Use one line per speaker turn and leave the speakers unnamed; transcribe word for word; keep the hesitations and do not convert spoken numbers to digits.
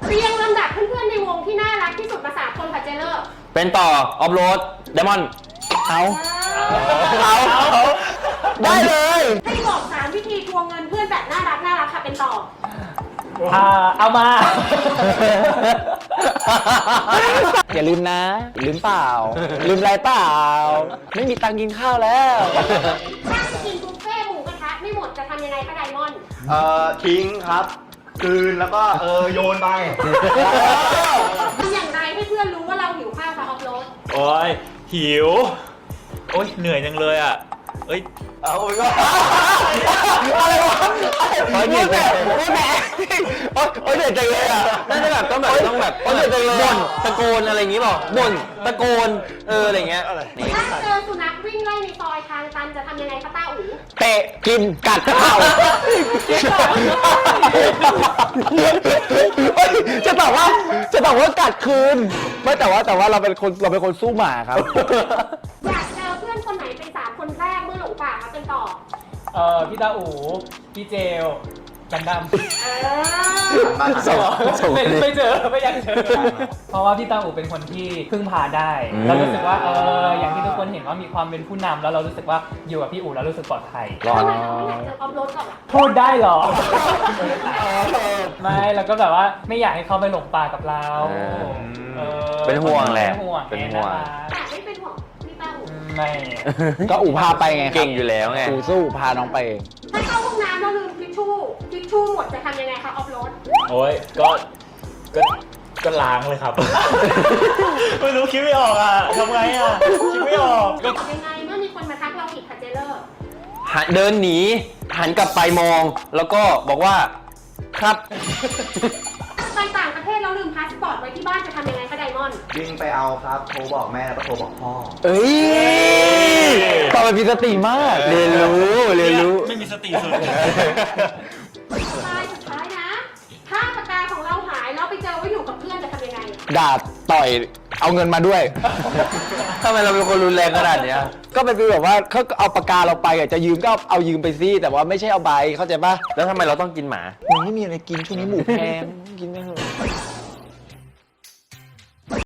เรียงลำดับเพื่อนๆในวงที่น่ารักที่สุดมาสามคนค่ะเจเลอร์
เป็นต่อออฟโรดไดมอนด์เอาเอาได้เลย
ให้บอกสามวิธีทวงเงินเพื่อนแบบน่ารักน่ารักค่ะเป็นต่อ
อ่าเอามา
อย่าลืมนะลืมเปล่าลืมอะไรเปล่าไม่มีตังค์กินข้าวแล้ว
ถ้ากินบุฟเฟ่หมูกระทะไม่หมดจะทำยังไงคะไดมอนด์
เอ่อทิ้งครับคืนแล้วก็เออโยนไป
ทำอย่างไรให้เพื่อนรู้ว่าเราหิวข้าวค่ะออฟโรด
โอ้ยหิวโอ้ยเหนื่อยจังเลยอ่ะเอ้ย
เอาไปก็
อะไรวะโอ้ยเหนื่อยจังโอ้ยแหมโอ้ยเหนื่อยจังเลยอ่ะ
น่าจะแบบต้องแบบต้องแบบบ่นตะโกนอะไรอย่างงี้เปล่าบ่นตะโกนเอออะไรเงี้ย
ถ้าเจอสุนัขวิ่งไล่ในซอยทางตันจะทำยังไงคะต้าอู๋
เตะกินกัดเข่าจะตอบว่าจะตอบว่ากัดคืนไม่แต่ว่าแต่ว่าเราเป็นคนเราเป็นคนสู้หมาครับ
อยากเจอเพื่อนคนไหนเป็นสามคนแรกเมื่อหลงป่าคะเป็นต่อ
เออพี่ตาอูพี่เจลกันดำไม่ไม่เจอไม่อยากเจอเพราะว่าพี่ตาอูเป็นคนที่พึ่งพาได้เรารู้สึกว่าเอออย่างที่ทุกคนเห็นว่ามีความเป็นผู้นำแล้วเรารู้สึกว่าอยู่กับพี่อูแล้วรู้สึกปลอดภัย
ทำไมเราไม่อยากเจอออฟโรดก่อนล่ะ
พูดได้หรอไม่แล้วก็แบบว่าไม่อยากให้เขาไปหลงป่ากับเรา
เป็นห่วงแหละ
เป็นห่วง
แต่ไม่เป็นห่วงพี่ตาอู
ไม่
ก็อูพาไปไง
เก่งอยู่แล้วไง
อูสู้พาน้องไปเอง
ถ้าเข้าห้องน้ำแล้วลืมทิชชู่ทิชชู่หมดจะทำยังไงคะออฟโรด
โอ้ยก็ก็ก็ล้างเลยครับไม่รู้คิดไม่ออกอ่ะทำไงอ่ะคิดไม่ออกก็
ยังไงเมื่อมีคนมาทักเราผิดค่ะเจเลอร์
หันเดินหนีหันกลับไปมองแล้วก็บอกว่าครับ
ไปต่างประเทศแล้วลืมพาสปอร์ตไว้ที่บ้านจะทำยังไงคะไดมอนด์
วิ่งไปเอาครับโทรบอกแม่แล้วก็โทรบอกพ่อ
เอ้ยตอบแบบมีสติมากเรียนรู้เรียนรู้
ไม่มีสติสุด
สุดท้ายสุดท้ายนะถ้าปากกาของเราหายแล้วไปเจอว่าอยู่กับเพื่อนจะทำยังไง
ด่าต่อยเอาเงินมาด้วย
ทำไมเราเป็นคนรุนแรงขนาดนี้
ก็เป็นฟีลแบบว่าเขาเอาปากกาเราไปอ่ะจะยืมก็เอายืมไปซิแต่ว่าไม่ใช่เอาใบเข้าใจป่ะ
แล้วทำไมเราต้องกินหมา
มันไม่มีอะไรกินช่วงนี้หมูแพงกินไม่เถอะ